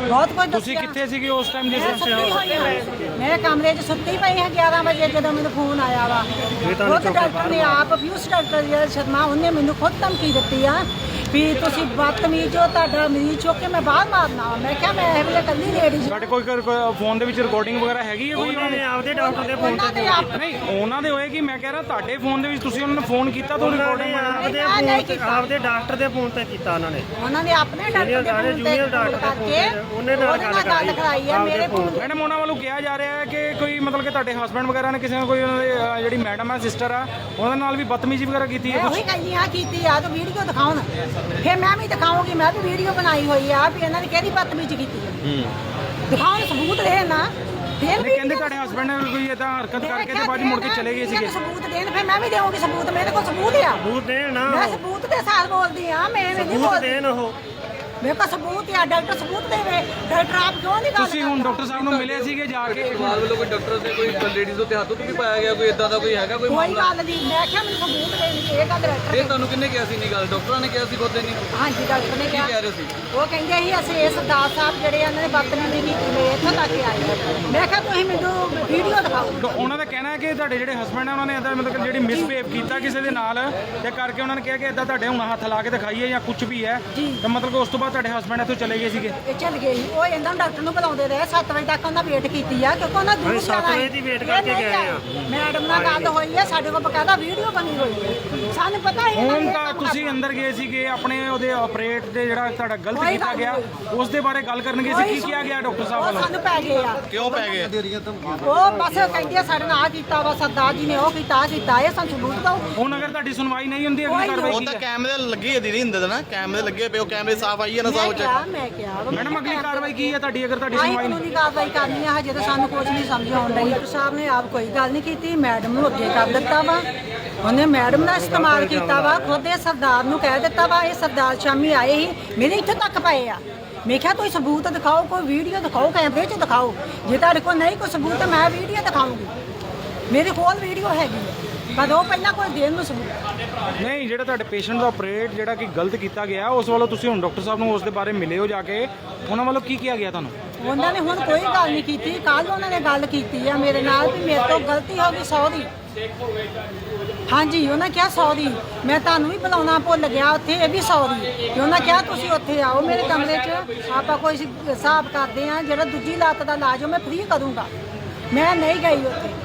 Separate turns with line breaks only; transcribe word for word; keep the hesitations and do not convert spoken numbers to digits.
ਬਹੁਤ ਕੁਝ
ਤੁਸੀਂ
ਦੱਸਿਆ।
ਕਿੱਥੇ ਸੀਗੇ ਉਸ ਟਾਈਮ ਜਿਸ
ਮੈਂ
time
ਸੁੱਤੀ ਹੋਈ ਹਾਂ। ਮੈਂ ਕਮਰੇ 'ਚ ਸੁੱਤੀ ਪਈ ਹਾਂ ਗਿਆਰਾਂ ਵਜੇ ਜਦੋਂ ਮੈਨੂੰ ਫੋਨ ਆਇਆ ਵਾ ਉਹ ਡਾਕਟਰ ਨੇ ਆਪ ਪਿਊਸ਼ ਡਾਕਟਰ ਜਿਹੜਾ ਸ਼ਰਮਾ ਉਹਨੇ ਮੈਨੂੰ ਖੁਦ ਧਮਕੀ ਦਿੱਤੀ ਆ ਵੀ ਤੁਸੀਂ ਬਦਤਮੀਜ਼ ਹੋ, ਤੁਹਾਡਾ ਮਰੀਜ਼ ਚੁੱਕ ਕੇ ਮੈਂ ਬਾਹਰ ਮਾਰਨਾ ਵਾ। ਮੈਂ ਕਿਹਾ ਮੈਂ ਇਹ ਵੇਲੇ ਕੱਲੀ ਲੇਡੀ
ਤੁਹਾਡੇ ਕੋਈ ਫੋਨ ਦੇ ਵਿੱਚ ਰਿਕਾਰਡਿੰਗ ਵਗੈਰਾ ਹੈਗੀ ਹੈ ਕੋਈ ਉਹਨਾਂ ਨੇ
ਆਪਦੇ ਡਾਕਟਰ ਦੇ ਫੋਨ
ਉਹਨਾਂ
ਤੇ
ਨੇ ਆਪ
ਨਹੀਂ ਉਹਨਾਂ ਦੇ ਹੋਏਗੀ। ਮੈਂ ਕਹਿ ਰਿਹਾ ਤੁਹਾਡੇ ਫੋਨ ਦੇ ਵਿੱਚ ਤੁਸੀਂ ਉਹਨਾਂ ਨੂੰ ਫੋਨ ਕੀਤਾ ਤਾਂ
ਉਹਨਾਂ
ਰਿਕਾਰਡਿੰਗ
ਨੇ ਆਪਦੇ
ਨਹੀਂ, ਨਹੀਂ
ਫੋਨ ਤੇ
ਕੀਤਾ।
ਆਪਦੇ ਡਾਕਟਰ ਦੇ ਫੋਨ ਤੇ ਕੀਤਾ ਉਹਨਾਂ ਨੇ
ਉਹਨਾਂ ਨੇ ਆਪਣੇ ਡਾਕਟਰ ਦੇ
ਸਾਰੇ
ਫੋਨ
junior
ਤੇ
ਡਾਕਟਰ ਦੇ
ਕਰਕੇ
ਫੋਨ ਤੇ ਉਹਨੇ ਨਾਲ
ਉਹਦੇ ਨਾਲ ਗੱਲ ਕਰਾਈ ਆ ਮੇਰੇ ਫੋਨ ਤੇ।
ਮੈਡਮ ਉਹਨਾਂ ਵੱਲੋਂ ਕਿਹਾ ਜਾ ਰਿਹਾ ਹੈ ਕਿ ਕੋਈ ਮਤਲਬ ਕਿ ਤੁਹਾਡੇ ਹਸਬੰਡ ਵਗੈਰਾ ਨੇ ਕਿਸੇ ਨਾਲ ਕੋਈ ਉਹਨਾਂ ਦੇ ਅਹ, ਜਿਹੜੀ ਮੈਡਮ ਹੈ ਸਿਸਟਰ ਆ ਉਹਨਾਂ ਨਾਲ ਵੀ ਬਦਤਮੀਜ਼ੀ ਵਗੈਰਾ ਕੀਤੀ ਹੈ
ਮੈਂ
ਕੁਝ
ਉਹੀ ਕਹਿੰਦੀ ਆ ਕੀਤੀ ਆ ਤਾਂ ਵੀਡੀਓ ਦਿਖਾਉਣ ਫਿਰ ਮੈਂ ਵੀ ਦਿਖਾਉਂਗੀ। ਮੈਂ ਵੀ ਵੀਡੀਓ ਬਣਾਈ ਹੋਈ ਆ ਵੀ ਇਹਨਾਂ ਨੇ ਕਿਹੜੀ ਬਦਤਮੀਜ਼ੀ ਕੀਤੀ ਹੈ ਦਿਖਾਉਣ ਸਬੂਤ ਦੇ ਨਾ ਫਿਰ
ਨਹੀਂ
ਵੀ
ਕਹਿੰਦੇ ਤੁਹਾਡੇ ਹਸਬੰਡ ਨੇ ਕੋਈ ਇਦਾਂ ਹਰਕਤ ਕਰਕੇ ਤੇ ਬਾਅਦ 'ਚ ਮੁੜ ਕੇ ਚਲੇ ਗਏ ਸੀਗੇ।
ਸਬੂਤ ਦੇਣ ਫਿਰ ਮੈਂ ਵੀ ਦੇਵਾਂਗੀ ਸਬੂਤ। ਮੇਰੇ ਕੋਲ ਸਬੂਤ ਆ।
ਸਬੂਤ ਦੇਣ ਨਾ
ਮੈਂ ਸਬੂਤ ਦੇ ਸਾਥ ਬੋਲਦੀ ਆ। ਮੈਂ ਨਹੀਂ
ਸਬੂਤ
ਬੋਲਦੀ।
ਦੇਣ ਉਹ
ਮੇਰੇ ਕੋਲ ਸਬੂਤ ਆ। ਡਾਕਟਰ ਸਬੂਤ ਦੇਵੇ। ਡਾਕਟਰ ਆਪ ਕਿਉਂ ਨਹੀਂ ਗੱਲ
ਤੁਸੀਂ ਹੁਣ ਡਾਕਟਰ ਸਾਹਿਬ ਨੂੰ ਮਿਲੇ ਸੀਗੇ ਜਾ ਕੇ
ਪਰਿਵਾਰ ਵੱਲੋਂ ਕੋਈ ਡਾਕਟਰ ਦੇ ਕੋਈ ਲੇਡੀਜ਼ ਉੱਤੇ ਹੱਥ ਉੱਤੇ ਵੀ ਪਾਇਆ ਗਿਆ, ਕੋਈ ਇਦਾਂ ਦਾ ਕੋਈ ਹੈਗਾ ਕੋਈ
ਕੋਈ
ਮਾਮਲਾ?
ਗੱਲ ਨਹੀਂ। ਮੈਂ ਕਿਹਾ ਮੈਨੂੰ ਸਬੂਤ ਦੇਣਗੇ ਇਹ ਗੱਲ ਡਾਕਟਰ
ਇਹ ਤੁਹਾਨੂੰ ਕਿੰਨੇ ਕਿਹਾ ਸੀ ਨਹੀਂ ਗੱਲ? ਡਾਕਟਰਾਂ ਨੇ ਕਿਹਾ ਸੀ ਖੁਦ ਨਹੀਂ?
ਹਾਂਜੀ ਡਾਕਟਰ ਨੇ
ਕੀ
ਕਿਹਾ
ਕਹਿ ਰਹੇ ਸੀ?
ਉਹ ਕਹਿੰਦੇ ਸੀ ਅਸੀਂ ਇਹ ਸਰਦਾਰ ਸਾਹਿਬ ਜਿਹੜੇ ਆ, ਉਹਨਾਂ ਨੇ ਬਦਤਮੀਜ਼ੀ ਕੀਤੀ ਮੈਂ ਇੱਥੋਂ ਤੱਕ ਆਏ ਆ। ਮੈਂ ਕਿਹਾ ਤੁਸੀਂ ਮੈਨੂੰ ਵੀਡੀਓ ਦਿਖਾਓ।
ਤਾਂ ਉਹਨਾਂ ਦਾ ਕਹਿਣਾ ਹੈ ਕਿ ਤੁਹਾਡੇ ਜਿਹੜੇ ਹਸਬੰਡ ਆ ਉਹਨਾਂ ਨੇ ਇਦਾਂ ਮਤਲਬ ਕਿ ਜਿਹੜੀ ਮਿਸਬਿਹੇਵ ਕੀਤਾ ਕਿਸੇ ਦੇ ਨਾਲ ਤੇ ਕਰਕੇ ਉਹਨਾਂ ਨੇ ਕਿਹਾ ਕਿ ਇਦਾਂ ਤੁਹਾਡੇ ਹੁਣ ਹੱਥ ਲਾ ਕੇ ਦਿਖਾਈਏ ਜਾਂ ਕੁਝ ਵੀ ਹੈ ਤਾਂ ਮਤਲਬ ਕਿ ਉਸ ਤੋਂ ਬਾਅਦ ਤੁਹਾਡੇ ਹਸਬੰਡ ਇੱਥੋਂ ਚਲੇ ਗਏ ਸੀਗੇ।
ਇਹ ਚੱਲ ਗਏ ਸੀ। ਉਹ ਇਹਨਾਂ ਡਾਕਟਰ ਨੂੰ ਬੁਲਾਉਂਦੇ ਰਹੇ ਸੱਤ ਵਜੇ ਤੱਕ ਉਹਨਾਂ ਵੇਟ ਕੀਤੀ ਆ ਕਿਉਂਕਿ ਉਹਨਾਂ ਦੂਰ
ਅਸੀਂ ਸੱਤ
ਜਾਣਾ
ਵਜੇ ਦੀ ਵੇਟ ਕਰਕੇ ਗਏ ਆ।
ਮੈਡਮ ਨਾਲ ਗੱਲ ਹੋਈ ਹੈ। ਸਾਡੇ ਕੋਲ ਬਕਾਇਦਾ ਵੀਡੀਓ ਬਣੀ ਹੋਈ ਹੈ। ਸਾਨੂੰ ਪਤਾ ਹੀ
ਹੁਣ ਤਾਂ ਤੁਸੀਂ ਅੰਦਰ ਗਏ ਸੀਗੇ ਆਪਣੇ ਉਹਦੇ ਆਪਰੇਟ ਦੇ ਜਿਹੜਾ ਤੁਹਾਡਾ ਗਲਤ
ਕੋਈ
ਕੀਤਾ
ਗੱਲ
ਗਿਆ
ਨਹੀਂ।
ਉਸ ਦੇ ਬਾਰੇ ਗੱਲ ਕਰਨਗੇ ਸੀ ਕੀ ਕਿਹਾ ਗਿਆ ਡਾਕਟਰ ਸਾਹਿਬ
ਉਹ
ਵੱਲੋਂ?
ਸਾਨੂੰ ਪੈ ਗਏ ਆ।
ਕਿਉਂ ਪੈ ਗਏ?
ਉਹ ਬਸ ਕਹਿੰਦੇ ਆ ਸਾਡੇ ਨਾਲ ਆ ਕੀਤਾ ਵਾ ਸਰਦਾਰ ਜੀ ਨੇ ਉਹ ਕੀਤਾ ਆ ਕੀਤਾ ਇਹ ਸਾਨੂੰ ਸਬੂਤ ਦਿਓ।
ਹੁਣ ਅਗਰ ਤੁਹਾਡੀ ਸੁਣਵਾਈ ਨਹੀਂ ਹੁੰਦੀ ਅਗਲੀ ਕਾਰਵਾਈ
ਉਹ
ਕੀ
ਤਾਂ
ਹੈ?
ਕੈਮਰੇ ਲੱਗੇ ਆ ਦੀਦੀ ਹੁੰਦੇ ਨਾ, ਕੈਮਰੇ ਲੱਗੇ ਪਏ, ਉਹ ਕੈਮਰੇ ਸਾਫ਼ ਆਈ ਹੈ ਨਾ
ਮੈਂ
ਸਾਫ਼
ਕਿਹਾ ਮੈਂ ਕਿਹਾ ਵਾ,
ਮੈਡਮ ਅਗਲੀ ਕਾਰਵਾਈ ਕੀ ਹੈ ਤੁਹਾਡੀ ਅਗਰ ਤੁਹਾਡੀ
ਆਹੀ
ਸੁਣਵਾਈ ਨਹੀਂ?
ਕਾਨੂੰਨੀ ਕਾਰਵਾਈ ਕਰਨੀ ਆ। ਹਜੇ ਤਾਂ ਸਾਨੂੰ ਕੁਝ ਨਹੀਂ ਸਮਝ ਆਉਣ ਡਈ। ਡਾਕਟਰ ਸਾਹਿਬ ਨੇ ਆਪ ਕੋਈ ਗੱਲ ਨਹੀਂ ਕੀਤੀ। ਮੈਡਮ ਨੂੰ ਅੱਗੇ ਕਰ ਦਿੱਤਾ ਵਾ। ਉਹਨੇ ਮੈਡਮ ਦਾ ਇਸਤੇਮਾਲ ਕੀਤਾ ਵਾ। ਖੁਦ ਇਹ ਸਰਦਾਰ ਨੂੰ ਕਹਿ ਦਿੱਤਾ ਵਾ। ਇਹ ਸਰਦਾਰ ਸ਼ਾਮੀ ਆਏ ਸੀ ਮੇਰੇ ਇੱਥੇ ਤੱਕ ਪਏ ਆ। ਮੈਂ ਕਿਹਾ ਕੋਈ ਸਬੂਤ ਦਿਖਾਓ, ਕੋਈ ਵੀਡੀਓ ਦਿਖਾਓ, ਕੈਮਰੇ 'ਚ ਦਿਖਾਓ। ਜੇ ਤੁਹਾਡੇ ਕੋਲ ਨਹੀਂ ਕੋਈ ਸਬੂਤ ਤਾਂ ਮੈਂ ਵੀਡੀਓ ਦਿਖਾਉਂਗੀ। ਮੇਰੇ ਕੋਲ ਵੀਡੀਓ ਹੈਗੀ ਹੈ ਪਰ ਉਹ ਪਹਿਲਾਂ ਕੋਈ ਦੇਣ ਨੂੰ ਸਬੂਤ।
ਨਹੀਂ ਜਿਹੜਾ ਤੁਹਾਡੇ ਪੇਸ਼ੈਂਟ ਦਾ ਆਪਰੇਟ ਜਿਹੜਾ ਕਿ ਗਲਤ ਕੀਤਾ ਗਿਆ ਉਸ ਵੱਲੋਂ ਤੁਸੀਂ ਹੁਣ ਡਾਕਟਰ ਸਾਹਿਬ ਨੂੰ ਉਸ ਦੇ ਬਾਰੇ ਮਿਲੇ ਹੋ ਜਾ ਕੇ ਉਹਨਾਂ ਵੱਲੋਂ ਕੀ ਕਿਹਾ ਗਿਆ ਤੁਹਾਨੂੰ?
ਉਹਨਾਂ ਨੇ ਹੁਣ ਕੋਈ ਗੱਲ ਨਹੀਂ ਕੀਤੀ। ਕੱਲ ਉਹਨਾਂ ਨੇ ਗੱਲ ਕੀਤੀ ਆ ਮੇਰੇ ਨਾਲ ਵੀ ਮੇਰੇ ਤੋਂ ਗਲਤੀ ਹੋ ਗਈ ਸੌ ਦੀ। ਹਾਂਜੀ ਉਹਨਾਂ ਕਿਹਾ ਸੌ ਦੀ। ਮੈਂ ਤੁਹਾਨੂੰ ਵੀ ਬੁਲਾਉਣਾ ਭੁੱਲ ਗਿਆ ਉੱਥੇ ਇਹ ਵੀ ਸੌ ਦੀ। ਤੇ ਉਹਨਾਂ ਕਿਹਾ ਤੁਸੀਂ ਉੱਥੇ ਆਓ ਮੇਰੇ ਕਮਰੇ 'ਚ ਆਪਾਂ ਕੋਈ ਹਿਸਾਬ ਕਰਦੇ ਆ ਜਿਹੜਾ ਦੂਜੀ ਲੱਤ ਦਾ ਇਲਾਜ ਉਹ ਮੈਂ ਫ੍ਰੀ ਕਰੂੰਗਾ। ਮੈਂ ਨਹੀਂ ਗਈ ਉੱਥੇ।